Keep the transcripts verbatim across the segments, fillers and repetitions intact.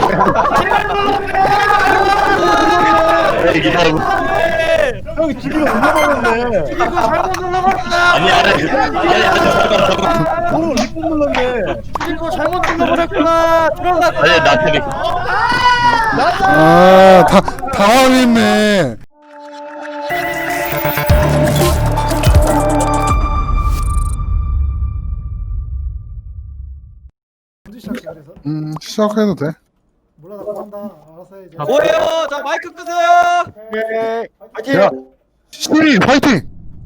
형이 죽이고 눌러버렸네. 죽이고 잘못 눌러버렸다. 아니 아니 아니 아니 잠깐만 잠깐만. 뭐로 리폰 눌렀네. 죽이고 잘못 눌러버렸구나. 들어가. 아니 나태리. 아, 다, 당황했네. 언제 시작해 그래서? 음, 시작해도 돼. 몰라 나 한다. 알아서 해 이제. 뭐예요? 자 마이크 끄세요. 오케이. 파이팅. 야, 시리 화이팅!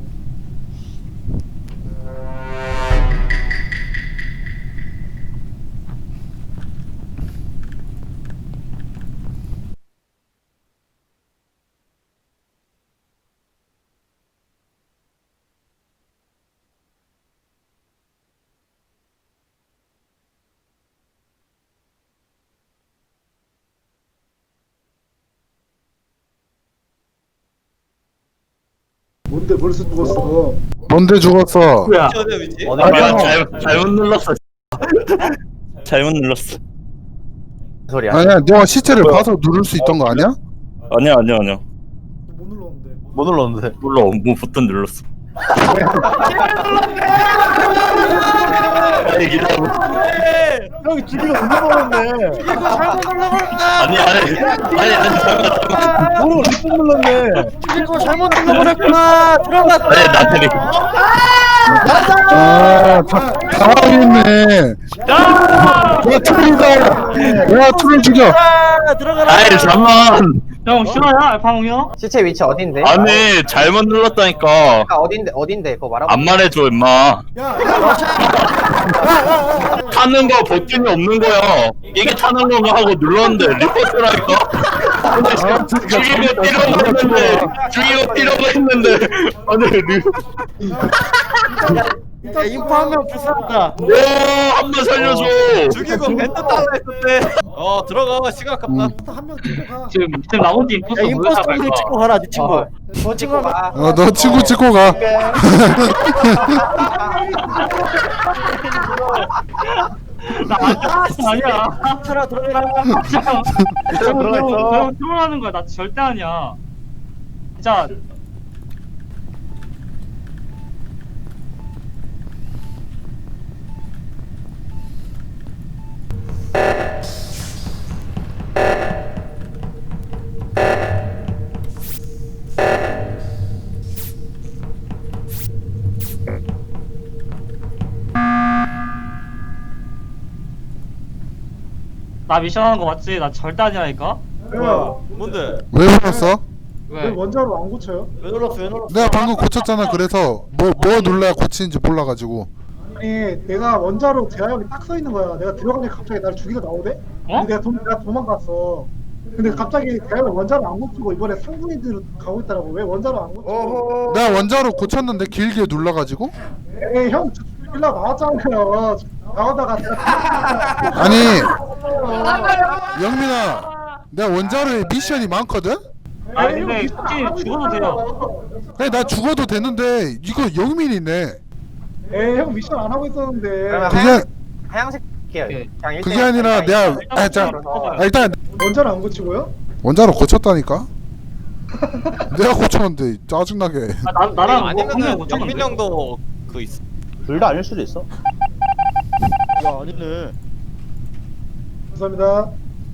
뭔데 벌써 죽었어? 뭔데 죽었어? 어디 위치? 내가 잘못 잘못 눌렀어. 잘못 눌렀어. 소리야. 아니야, 너가 시체를 봐서 누를 수 있던 거 아니야? 아니야 아니야 아니야. 못 눌렀는데. 못 눌렀는데. 몰라 뭐 버튼 눌렀어. 아니 기다려. 형이 죽이고 눌러버렸네. 죽이고 잘못 눌러버렸다. 아니 아니 아니 아니 잠깐만 잠깐만. 뭐로 리폰 눌렀네. 죽이고 잘못 눌러버렸구나. 들어가. 아니 나태리. 아, 다, 당황했네. 야, 트롤이다. 야, 트롤 죽여. 들어가라. 아이 잠만. 형 싫어요? 알파몽 형? 시체 위치 어딘데? 아니 잘못 눌렀다니까. 아, 어딘데 어딘데 그거 말하고. 안 말해줘 임마. 야, 야, 타는 거 버튼이 없는 거야. 이게 타는 건가 하고 눌렀는데 리포트라니까. 근데 아, 지금 죽이고 뛰려고 했는데 죽이고 뛰려고 했는데 아니 리. 야, 인포 한 명 불쌍하다. 오한번 살려줘. 죽이고 벤트 따라 했는데. 어 들어가 시간 아깝다. 한명 찍고 가. 지금 지금 나온 뒤 임포스터 야 모여서 임포스터 갈까? 좀 찍고 가라 네 친구. 어. 뭐 찍고 가. 어, 너 친구 찍고 가. 나 아니야. 들어 들어가라. 들어가 있어. 형 트롤하는 거야. 나 절대 아니야. 진짜 나 미션 하는 거 맞지? 나 절대 아니라니까. 야, 뭔데? 왜 불렀어? 왜 원자로 안 고쳐요? 왜 눌렀어? 왜 눌렀어? 내가 방금 고쳤잖아. 그래서 뭐, 뭐 눌러야 고치는지 몰라가지고. 아니, 내가 원자로 제약이 딱 서 있는 거야. 내가 들어가니 갑자기 날 죽이고 나오대? 어? 근데 내가, 도, 내가 도망갔어. 근데 갑자기 대학을 원자로 안 고치고 이번에 상분이들로 가고 있더라고. 왜 원자로 안 고쳐? 내가 원자로 고쳤는데 길게 눌러가지고. 에이, 형 빌라 나왔잖아요. 나오다가 내가 아니, 영민아, 내가 원자로에 미션이 많거든? 아니 근데 굳이 죽어도 돼요. 그래, 나 죽어도 되는데 이거 영민이네. 에이, 형 미션 안 하고 있었는데. 그러면 그게 하양, 하양색 해요. 예. 그냥 일 그게 대 일 아니라 대일. 내가 아, 자, 아, 일단 원자로 안 고치고요? 원자로 고쳤다니까. 내가 고쳤는데 짜증나게. 아, 나 나랑 아니면은 분명 영민 고쳤는데. 형도 그 있어. 둘 다 아닐 수도 있어. 야 아니네. 감사합니다.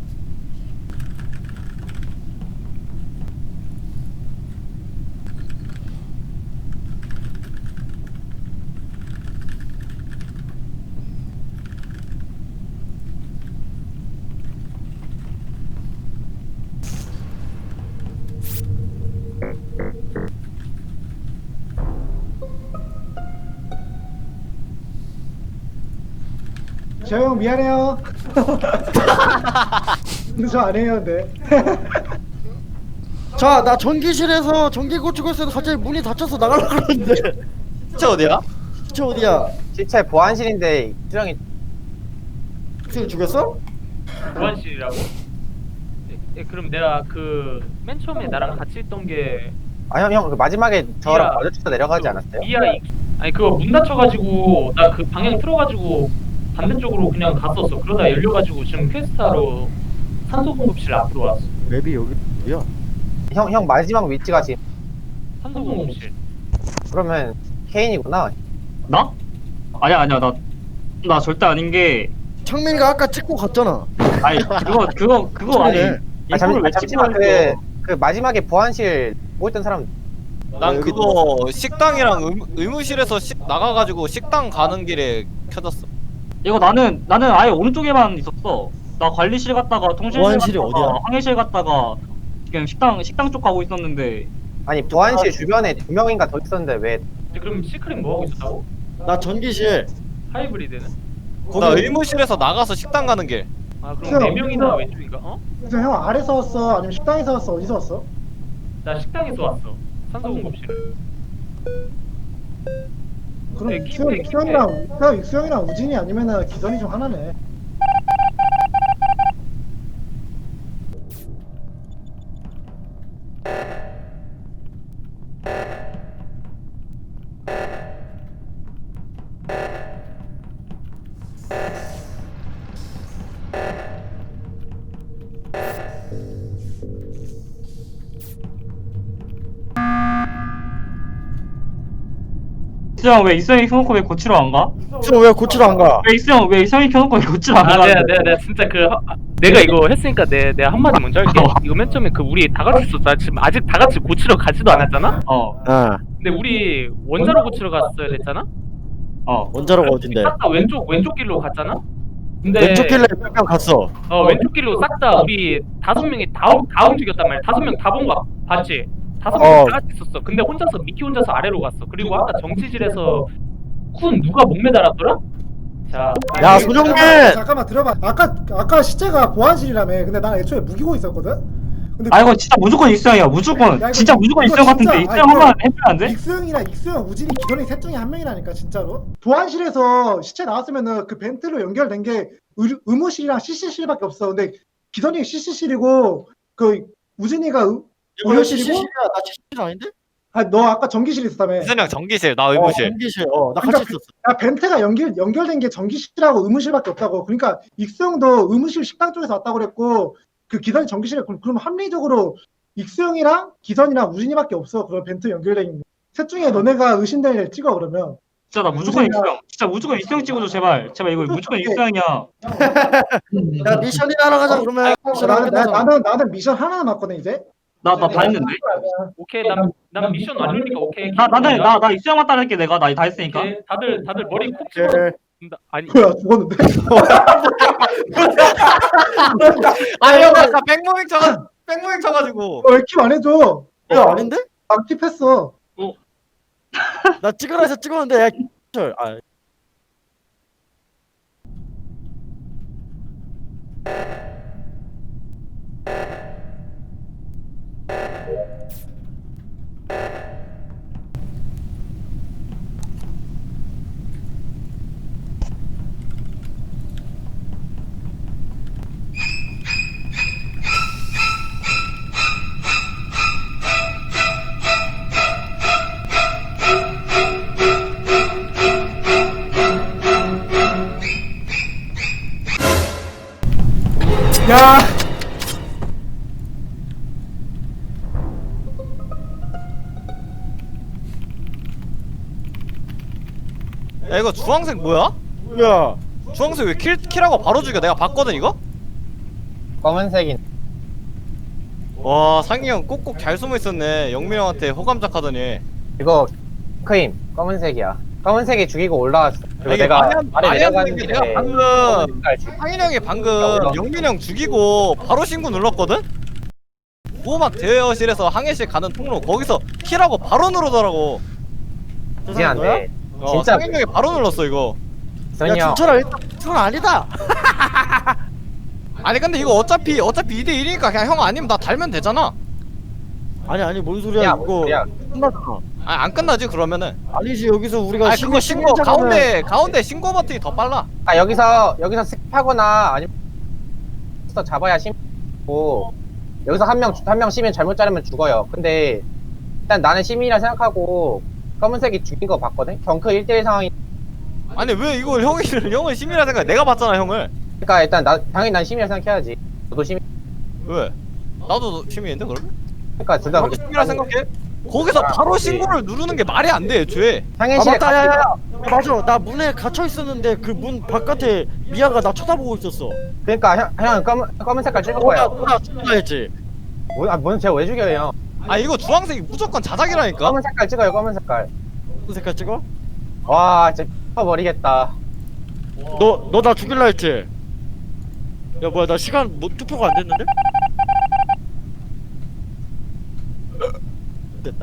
재영 미안해요. 근데 저 안 해요, 근데. 자, 나 전기실에서 전기 고치고 있어도 갑자기 문이 닫혀서 나가려고 그러는데. 진짜 어디야? 진짜 어디야? 시체 보안실인데 수정이 지금 죽였어? 보안실이라고? 예, 그럼 내가 그 맨 처음에 나랑 같이 있던 게 아 형 형 그 마지막에 저랑 미야. 마주쳐서 내려가지 않았어요? 미아 이- 아니 그거 문 닫혀가지고 나 그 방향 틀어가지고 반대쪽으로 그냥 갔었어. 그러다 열려가지고 지금 퀘스트하러 산소 공급실 앞으로 왔어. 맵이 여기 어디야? 형, 형 마지막 위치가 지금 산소 공급실. 그러면 케인이구나. 나? 아니야 아니야 나 나 절대 아닌 게 창민이가 아까 찍고 갔잖아. 아니 그거 그거 그거 아니 그래. 아, 잠시, 인포를 아, 왜 잠시만 찍고 그, 있어? 그 마지막에 보안실 뭐 있던 사람 난 그거 식당이랑 의, 의무실에서 식 나가가지고 식당 가는 길에 켜졌어. 이거 나는 나는 아예 오른쪽에만 있었어. 나 관리실 갔다가 통신실 보안실이 갔다가 어디야? 항해실 갔다가 지금 식당 식당 쪽 가고 있었는데 아니 보안실 주변에 두 명인가 더 있었는데 왜 근데 그럼 시크릿 뭐 하고 있었다고? 나 전기실. 하이브리드는? 나 의무실에서 나가서 식당 가는 길. 아 그럼 그럼 네 명이나 이거- 왼쪽인가? 어? 그래서 형 아래서 왔어? 아니면 식당에서 왔어? 어디서 왔어? 나 식당에서 왔어. 산소 공급실. 그럼 네, 익수형, 킵해, 익수형이랑 형 익수형이랑 우진이 아니면은 기선이 중 하나네. 이수영 왜 이수영이 켜놓고 왜 고치러 안 가? 지금 왜 고치러 안 가? 왜 이수영 왜 이수영이 켜놓고 왜 고치러 안 아 가? 내가 내가 내가 진짜 그 하- 내가 이거 했으니까 내 내가 한마디 먼저 할게. 이거 맨 처음에 그 우리 다 같이 있었어. 나 지금 아직 다 같이 고치러 가지도 않았잖아. 어 아 근데 우리 원자로 고치러 갔어야 됐잖아. 어. 원자로가 어딘데? 싹 다 왼쪽 왼쪽 길로 갔잖아. 근데 왼쪽 길래 몇 명 갔어. 어 왼쪽 길로 싹 다 우리 다섯 명이 다, 움- 다 움직였단 말이야. 다섯 명 다 본 거 봤지? 다섯 어. 명 다 같이 있었어. 근데 혼자서 미키 혼자서 아래로 갔어. 그리고 아까 정치실에서 쿤 누가 목 매달았더라? 자, 야 아니, 손영민. 잠깐만, 잠깐만 들어봐. 아까 아까 시체가 보안실이라며. 근데 난 애초에 무기고 있었거든. 근데 아 이거 진짜 무조건 이수영이야 무조건 야, 이거 진짜 무조건 이거 이수영 같은데 진짜- 이수영 아니, 한번 이거- 해보면 안 돼? 익수형이랑 익수형, 우진이, 기선이 셋 중에 한 명이라니까 진짜로. 보안실에서 시체 나왔으면은 그 벤트로 연결된 게 의, 의무실이랑 씨씨실밖에 없어. 근데 기선이 씨씨실이고 그 우진이가 의, 이거 씨씨실이야. 나 씨씨실 아닌데? 아너 아까 전기실에 있었다며. 이선영 전기실, 나 어, 의무실. 전기실. 어, 나 그러니까 같이 있었어. 야, 벤트가 연결 연결된 게 전기실하고 의무실밖에 없다고. 그러니까 익수형도 의무실 식당 쪽에서 왔다고 그랬고 그 기선이 전기실에 그럼, 그럼 합리적으로 익수형이랑 기선이랑 우진이밖에 없어. 그런 벤트 연결돼 있는. 셋 중에 너네가 의심되는 애를 찍어 그러면. 진짜 나 무조건 무슨 이수영 진짜 무조건 이수영 찍어줘 제발 제발 이거 무조건 이수영이야. 야 미션이나 하러 가자 그러면. 미션 나는, 나, 끝나잖아. 나는 나는 미션 하나 남았거든 이제. 나 나 다 했는데? 오케이 난, 난 미션 완료니까 오케이. 나 나는 나 나 이수영만 따를게 내가 나 다 했으니까. 오케이, 다들 다들 머리 콕 집어. 예. 아니 뭐야 죽었는데? 아 형 아까 백무빙 쳐가 백무빙 쳐가지고. 왜 킵 안 해줘? 야 아닌데? 난 킵했어. 나 찍으라 해서 찍었는데 야 절. 아 야. 야 이거 주황색 뭐야? 뭐야? 주황색 왜 킬, 킬하고 바로 죽여? 내가 봤거든 이거? 검은색인 와 상희 형 꼭꼭 잘 숨어 있었네. 영민 형한테 호감작하더니. 이거 크임 검은색이야. 검은색이 죽이고 올라왔어. 그리고 이게 내가 말이 안- 아래 말이 안 내려가는 되는 게 길에 내가 방금 검은색깔 죽- 상희 형이 방금 영민 형 죽이고 바로 신고 눌렀거든? 보호막 대여실에서 항해실 가는 통로 거기서 킬하고 바로 누르더라고. 이제 안 돼. 어, 진짜 상희 형이 바로 눌렀어 이거. 기선이 야 형 준철아 일단 그건 아니다. 아니 근데 이거 어차피 어차피 이 대 일이니까 그냥 형 아니면 나 달면 되잖아. 아니 아니 뭔 소리야 야, 이거. 뭔 소리야. 끝났잖아. 아니 안 끝나지 그러면은. 아니지 여기서 우리가 아니 그거 신고 시민자면은- 가운데 가운데 신고 버튼이 더 빨라. 아 여기서 여기서 스킵하거나 아니면 잡아야 시민이고 여기서 한 명 한 명 시민 잘못 자르면 죽어요. 근데 일단 나는 시민이라 생각하고 검은색이 죽인 거 봤거든. 경크 일 대 일 상황이. 아니 왜 이걸 형이 형을 시민이라 생각해? 내가 봤잖아 형을. 그러니까 일단 나 당연히 난 시민이라 생각해야지. 너도 시민. 왜? 나도 시민인데 그럼? 그러니까 둘 다 나도 시민이라 생각해? 거기서 바로 신고를 누르는 게 말이 안 돼, 애초에. 아 상해시에 맞다 야야야 맞아 나 문에 gat혀 있었는데 그 문 바깥에 미아가 나 쳐다보고 있었어. 그러니까 형, 형 검은, 검은 색깔 찍을 너가 거예요. 너가 죽는다 했지. 뭐, 아, 뭔 제가 왜 죽여요? 아 이거 주황색이 무조건 자작이라니까? 검은 색깔 찍어요, 검은 색깔. 무슨 색깔 찍어? 와, 진짜 버리겠다. 너 너 나 죽일라 했지. 야 뭐야 나 시간 뭐 투표가 안 됐는데? 됐다.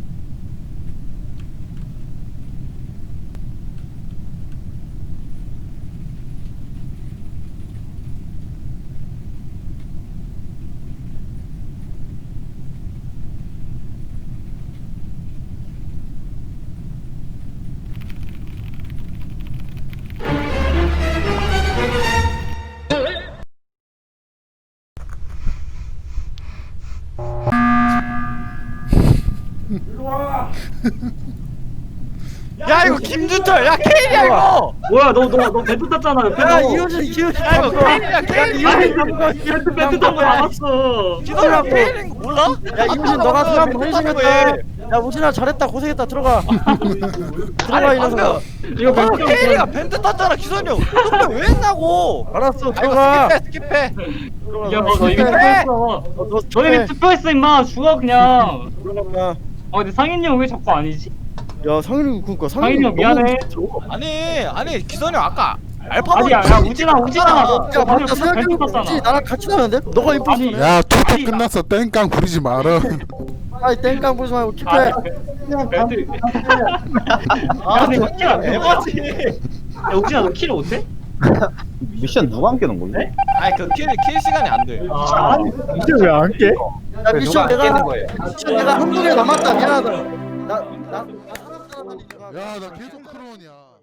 야 이거 김준철! 야 케일이야 이거! 뭐야 너 너 너 벤트 탔잖아 옆에. 야 이효진 이효진 야 이거 케일이야 케일! 아니 벤트 벤트 탄거 나갔어. 기도랑 케일인 거 몰라? 야 이효진 너가 사람 헌신했다. 야 우진아 잘했다 고생했다 들어가. 들어가 아니 이 녀석아. 방금 이거 방금 벤트 케일이가 벤트 탔잖아 기선이 형! 그럼 왜 했냐고! 알았어 아 들어가. 이거 스킵해 스킵해! 야, 너, 너 이미 네. 투표했어. 너 너네 투표했어 임마. 죽어 그냥. 들어가. 아 근데 상인이 형 왜 자꾸 아니지? 야 상윤이 그니까 상윤이 형 미안해. 아니 아니 기선이 형 아까 알파고 아니야 야 우진아 우진아 너 야 맞다 벤트 생각해보면 탔잖아. 나랑 같이 나는데? 너가 임포스터네? 야 투표 끝났어 땡깡 부리지 마라. 아이 땡깡 보지 말고 아, 킵해. 그냥 벤트. 아 야 근데 이거 킬안 돼. 에바지! 야 우진아 너 킬 못해? 미션 누가 함께 놓은 건데? 아니 그킬 킬 시간이 안돼 아, 이게 왜 안 깨? 야 미션 누가 내가 깨는 거예요? 미션 내가 한 분에 남았다 미안하다. 나나 살았다 야 나 계속 크론이야.